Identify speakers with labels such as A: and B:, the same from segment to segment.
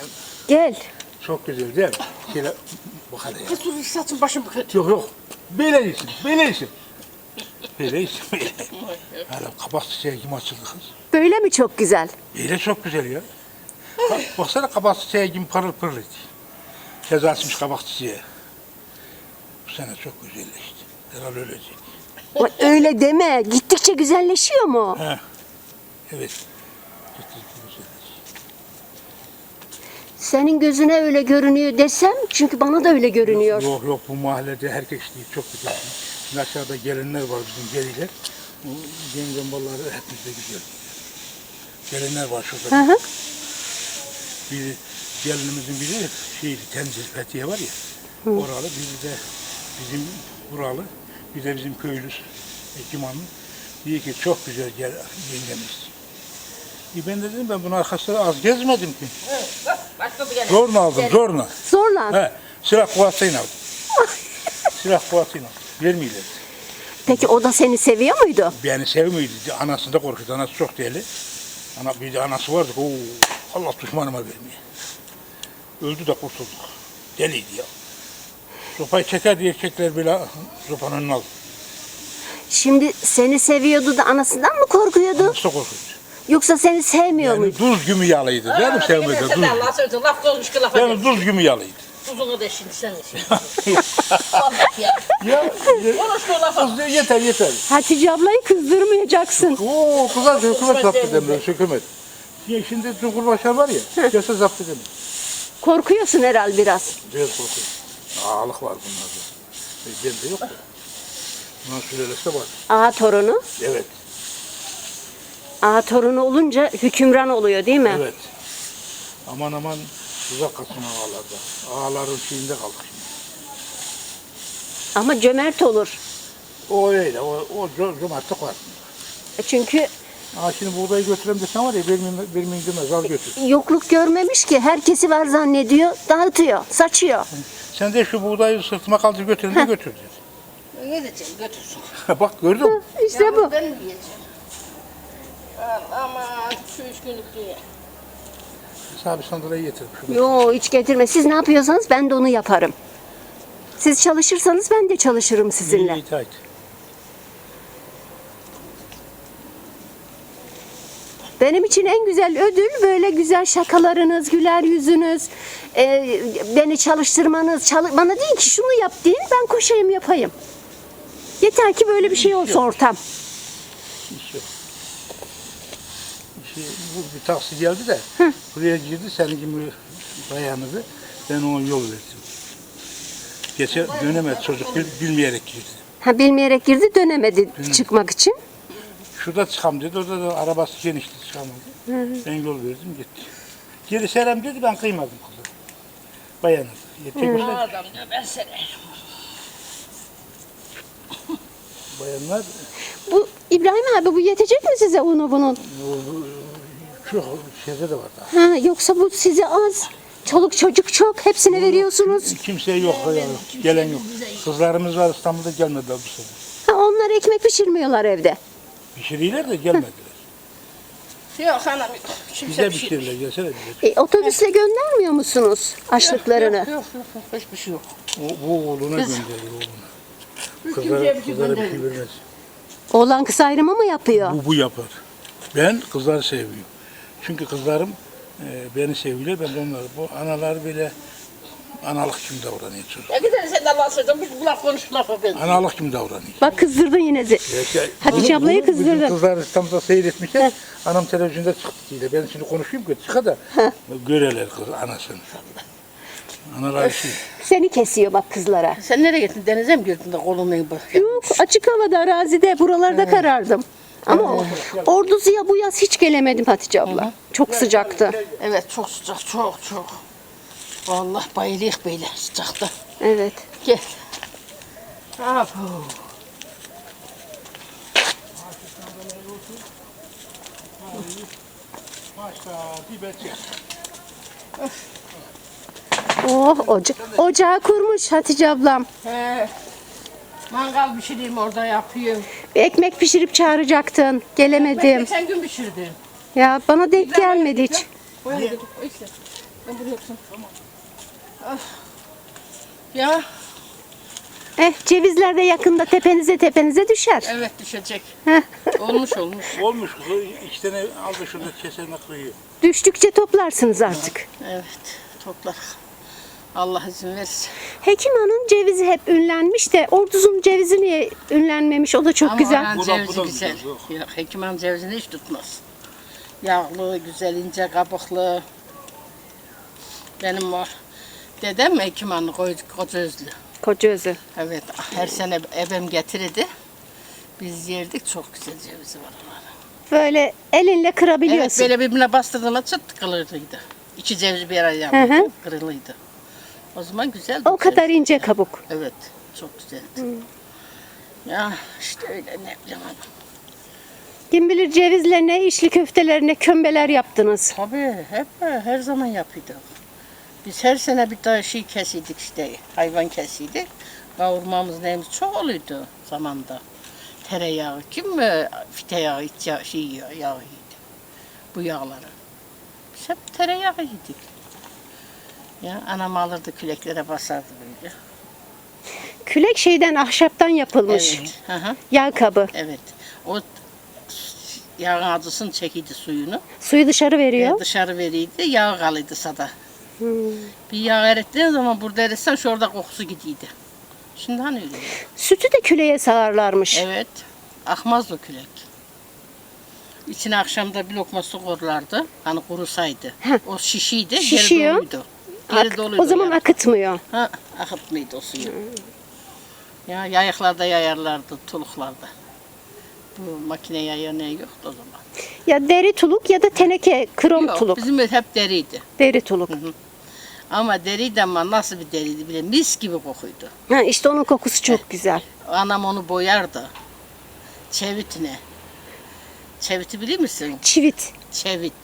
A: Gel.
B: Çok güzel değil mi? Şöyle bu kadar ya.
C: Kız saçın başım kötü.
B: Yok. Böyle iyisin, böyle iyisin. Böyle iyisin, böyle. Hala kabak çiçeği gibi açıldı kız.
A: Böyle mi çok güzel?
B: Böyle çok güzel ya. Baksana kabak çiçeği gibi parıl pırıl et. Kez açmış kabak çiçeği. Bu sene çok güzelleşti. Herhalde öyleyecek.
A: Öyle deme. Gittikçe güzelleşiyor mu?
B: He. Evet. Gittikçe güzelleşti.
A: Senin gözüne öyle görünüyor desem, çünkü bana da öyle görünüyor.
B: Yok bu mahallede herkes değil, çok güzel. Şimdi aşağıda gelinler var bizim geliler. Bu yengem balları hepimiz de güzel. Gelinler var şurada.
A: Hı hı.
B: Bir gelinimizin biri Tenzil Fethiye var ya. Oralı, biri de bizim buralı. Bir de bizim köylüs Ekimanlı. Diyor ki çok güzel yengemiz. Ben de dedim ben bunun arkasında az gezmedim ki.
C: Başladı gene.
B: Zorla aldım, zorla.
A: Zorla.
B: He, silah kuvvetine aldım. Silah kuvvetine aldım. Vermiyorlar.
A: Peki o da seni seviyor muydu?
B: Beni sevmiyordu. Anasını da korkuyordu. Anası çok deli. Bir de anası vardı. Oo, Allah düşmanıma vermiyor. Öldü de kurtulduk. Deliydi ya. Sopayı çeker diye erkekler bile sopanın önüne aldı.
A: Şimdi seni seviyordu da anasından mı korkuyordu?
B: Anası da korkuyordu.
A: Yoksa seni sevmiyor
B: Yani
A: muydu?
B: duz gibi yalıydı. Değil mi sevmedi?
C: Sen de Allah'a söyledin. Laf olmuş ki lafa
B: Yani duz gibi yalıydı.
C: Tuzunu da şimdi sen de şimdi. Vallahi ya.
B: Ya
C: Konuşma lafa.
B: kız yeter.
A: Hatice ablayı kızdırmayacaksın.
B: Oo kızlar hükümet zapt edemiyor. Hükümet. Şimdi Cumhurbaşkanı var ya. Gelse zapt edemiyor.
A: Korkuyorsun herhal biraz.
B: Biraz korkuyor. Ağalık var bunlarda. Bende yok da. Bundan sülalesi var.
A: Ağa torunu.
B: Evet.
A: Ağa torunu olunca hükümran oluyor değil mi?
B: Evet. Aman uzak kalsın ağalarda. Ağaların şeyinde kaldık şimdi.
A: Ama cömert olur.
B: O öyle. O cömertlik var.
A: Çünkü
B: Şimdi buğdayı götüreyim desen var ya vermeyin demez. Al götür.
A: yokluk görmemiş ki, herkesi var zannediyor, dağıtıyor, saçıyor.
B: Sen de şu buğdayı sırtıma kaldır götürün de götür.
C: Ne diyeceğim götürsün.
B: Bak gördün mü?
A: İşte bu.
C: Ben mi yiyeceğim? Aman şu 3 günlük dünya.
B: Sana bir sandalye getir.
A: Yo, hiç getirme. Siz ne yapıyorsanız ben de onu yaparım. Siz çalışırsanız ben de çalışırım sizinle.
B: İyi itaat.
A: Benim için en güzel ödül böyle güzel şakalarınız, güler yüzünüz, beni çalıştırmanız. Bana deyin ki şunu yap deyin, ben koşayım yapayım. Yeter ki böyle bir şey olsun ortam.
B: İş yok. Bu bir taksi geldi de buraya girdi senin gibi bayanıydı. Ben ona yol verdim. Geçe dönemedi çocuk bilmeyerek girdi.
A: Ha, bilmeyerek girdi, dönemedi çıkmak için.
B: Şurada çıkam dedi. Orada da arabası genişti çıkamadı. Ben yol verdim gitti. Geri selam dedi ben kıymadım kızı. Bayanıydı. Tek
C: Adam ya ben seni.
B: bayanlar
A: Bu İbrahim abi, bu yetecek mi size unu bunun?
B: çok şeyde de var daha.
A: Ha, yoksa bu size az. Çoluk çocuk çok, hepsine veriyorsunuz.
B: Kimse yok. Gelen yok. Kızlarımız var İstanbul'da gelmediler bu sene.
A: Ha, onlar ekmek pişirmiyorlar evde.
B: Pişiriyorlar da gelmediler.
C: Yok anam yok.
B: Bize
C: Kimse bir şey.
B: pişirirler gelsene bize.
A: Otobüsle göndermiyor musunuz açlıklarını?
C: Yok. Hiçbir şey yok.
B: Bu oğluna gönderiyor oğluna.
C: Kimseye bir şey
B: Kızlara bir şey
C: göndermiyor.
B: vermez.
A: Oğlan kız ayrımı mı yapıyor?
B: Bu yapar. Ben kızları seviyorum. Çünkü kızlarım beni seviyorlar. Ben de onları. Bu analar böyle analık gibi davranıyor çocuk.
C: Ya gidelim sen de Allah'a söyledin. Bu laf konuş lafa ben.
B: Analık gibi davranıyor.
A: Bak, kızdırdın yine. Hatice ablayı
B: Bizim
A: kızdırdın.
B: kızlar İstanbul'da seyretmişler. Anam televizyonda çıktı diye. Ben şimdi konuşayım ki çıka da göreler kız anasını. Analar şey.
A: Seni kesiyor bak kızlara.
C: Sen nereye gittin? Denize mi girdin de kolunu bak.
A: Yok, açık havada, arazide, buralarda karardım. Ama Ordu'ya bu yaz hiç gelemedim Hatice abla. Çok sıcaktı.
C: Evet çok sıcak çok. Vallahi bayılıyık böyle sıcakta.
A: Evet.
C: Gel. Apo.
A: Oh, ocağı kurmuş Hatice ablam.
C: He. Mangal pişireyim orada yapıyorum.
A: Ekmek pişirip çağıracaktın. Gelemedim.
C: Geçen gün pişirdim.
A: Ya bana denk gelmedi hiç.
C: Ben buraya yapsam. Tamam. Ya
A: Cevizler de yakında tepenize düşer.
C: evet düşecek.
A: Heh.
C: Olmuş.
B: Olmuş. 2 tane aldı şurada keserine kıyıyor.
A: Düştükçe toplarsınız artık.
C: Evet toplar. Allah izin verirse.
A: Hekim Han'ın cevizi hep ünlenmiş de Orduz'un cevizi niye ünlenmemiş? O da çok
C: Ama
A: güzel.
C: oranın
B: Bu da
C: cevizi
B: güzel,
C: güzel.
B: yok.
C: Yok, Hekiman cevizini hiç tutmaz. Yağlı, güzel, ince kabuklu. Benim var. Dedem Hekiman'ı koca özlü.
A: Kocaözü.
C: Evet, her sene ebem getirirdi. Biz yerdik, çok güzel cevizi var onların.
A: Böyle elinle
C: Evet,
A: kırabiliyorsun.
C: böyle birbirine bastırdığında çıt kırılırdı. İki cevizi bir araya
A: Hı hı.
C: yapınca kırılıydı. O zaman güzeldi.
A: O kadar
C: ceviz.
A: ince kabuk.
C: Evet, çok güzeldi. Ya işte öyle ne bileyim hanım.
A: Kim bilir cevizlerine, içli köftelerine kömbeler yaptınız.
C: Tabii hep her zaman yapıyorduk. Biz her sene bir daha şey kesiydik işte, hayvan kesiydik. Kavurmamız neyimiz çok oluyordu zamanda. Tereyağı, kim fite yağı, iç yağı, yağı yedi. Bu yağları. Biz hep tereyağı yedik. Ya anam alırdı küleklere basardı böyle.
A: Külek şeyden, ahşaptan yapılmış.
C: Evet. Hı hı.
A: Yağ kabı.
C: Evet. O yağın acısını çekiydi suyunu.
A: Suyu dışarı veriyor.
C: Dışarı veriydi, yağ kalıydı sada. Bir yağ erittiğin zaman burada eritsen şurada kokusu gidiydi. Şimdi hani öyle.
A: Sütü de küleye sağarlarmış.
C: Evet, akmaz o külek. İçine akşamda bir lokma su koyarlardı, hani kurusaydı.
A: Heh.
C: O şişiydi,
A: Şişiyor.
C: geri doluydu. Geri doluydu
A: O zaman
C: yani.
A: akıtmıyor.
C: Ha, akıtmıyordu o suyu. Ya yayıklarda yayarlardı, tuluklarda. Bu makine yayı ne yoktu o zaman.
A: Ya deri tuluk ya da teneke, krom
C: Yok,
A: tuluk.
C: bizim hep deriydi.
A: Deri tuluk.
C: Ama deriydi ama nasıl bir deriydi bile mis gibi kokuydu.
A: Ha, işte onun kokusu çok güzel.
C: Anam onu boyardı. Çevitine. Çeviti bilir misin?
A: Çivit.
C: Çevit.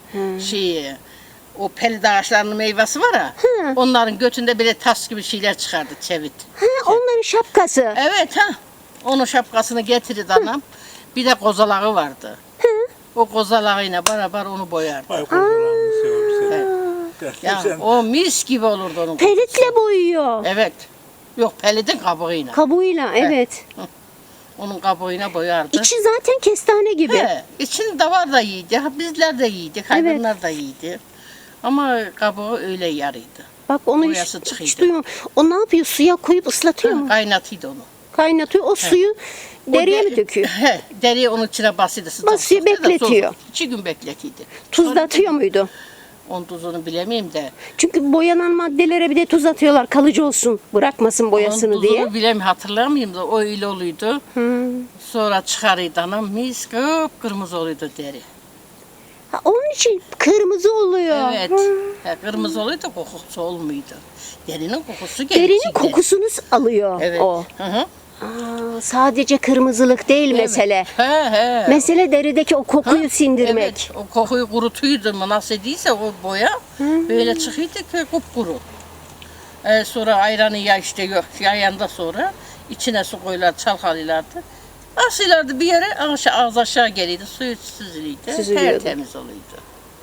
C: O pelide ağaçlarının meyvesi var ya. Onların götünde böyle tas gibi şeyler çıkardı çevit.
A: Ha, onların şapkası.
C: Evet ha. Onun şapkasını getirirdi anam. Bir de kozalağı vardı. O kozalağıyla beraber onu boyardı.
B: Ay kocalarını seviyorum.
C: Ya
B: Sen
C: o mis gibi olurdu onun.
A: Pelitle boyuyor.
C: Evet. Yok pelidin kabuğuyla.
A: Kabuğuyla, evet.
C: Onun kabuğuyla boyardı.
A: İçi zaten kestane gibi.
C: He, içinde var da yiydi. Bizler de yiydik, hayvanlar da yiydi. Ama kabuğu öyle yarıydı.
A: Bak onu
C: Boyası
A: hiç
C: çıkıyordu.
A: duymadım. O ne yapıyor? Suya koyup ıslatıyor mu?
C: Kaynatıydı onu.
A: Kaynatıyor. O suyu deriye mi döküyor?
C: He, deriye onun içine basıydı.
A: Basıyor, bekletiyor.
C: 2 gün bekletiydi.
A: Tuz da atıyor muydu?
C: Onun tuzunu bilemeyeyim de.
A: Çünkü boyanan maddelere bir de tuz atıyorlar. Kalıcı olsun. Bırakmasın boyasını
C: Onun
A: diye.
C: tuzunu bilemiyorum, hatırlamayayım da o öyle oluyordu. Sonra çıkarıydı anam, mis kıpkırmızı oluyordu deri.
A: Ha, onun için kırmızı oluyor.
C: Evet, he, kırmızı oluyordu, kokusu olmuyordu. Derinin kokusu geliyor.
A: Derinin kokusunu alıyor
C: Evet.
A: o.
C: Hı hı.
A: Aa, sadece kırmızılık değil mesele.
C: He.
A: Mesele derideki o kokuyu sindirmek.
C: Evet, o kokuyu kurutuydu mu nasıl değilse o boya böyle çıkıyordu ki kupkuru. Sonra ayranı ya işte yok yayanda sonra içine su koyular çalkalıyorlardı. Asıyorlardı bir yere ağız aşağı geliyordu suyu süzülüydü.
A: Süzülüyordu.
C: Tertemiz oluyordu.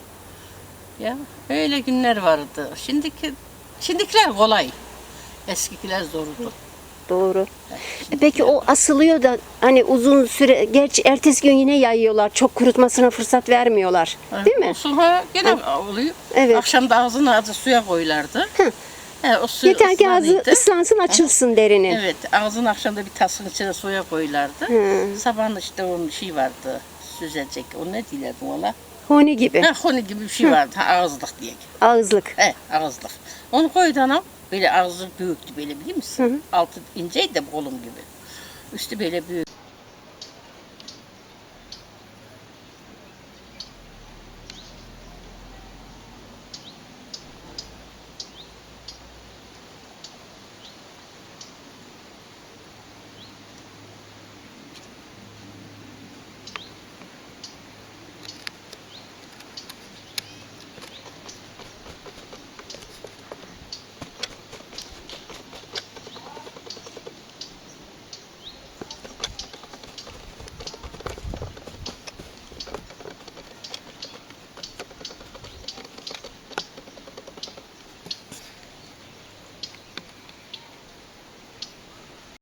C: Ya öyle günler vardı. Şimdikiler kolay. Eskikiler zordu.
A: Doğru. Peki o asılıyor da hani uzun süre, gerçi ertesi gün yine yayıyorlar. Çok kurutmasına fırsat vermiyorlar. Değil mi?
C: Olsun ha gene oluyor.
A: Evet.
C: Akşam da ağzını azı suya koyulardı. O su
A: Yeter ki ağzı
C: ıslanıyordu.
A: ıslansın, açılsın derinin.
C: Evet, ağzını akşamda bir tasın içine suya koyulardı. Sabahın işte onun şey vardı, süzecek. O ne diyorlardı ona?
A: Honi gibi.
C: Ha, honi gibi bir şey vardı, ağızlık diye.
A: Ağızlık.
C: Ağızlık. Onu koydu anam. Böyle ağzı büyüktü böyle biliyor musun? Altı inceydi de kolum gibi. Üstü böyle büyük.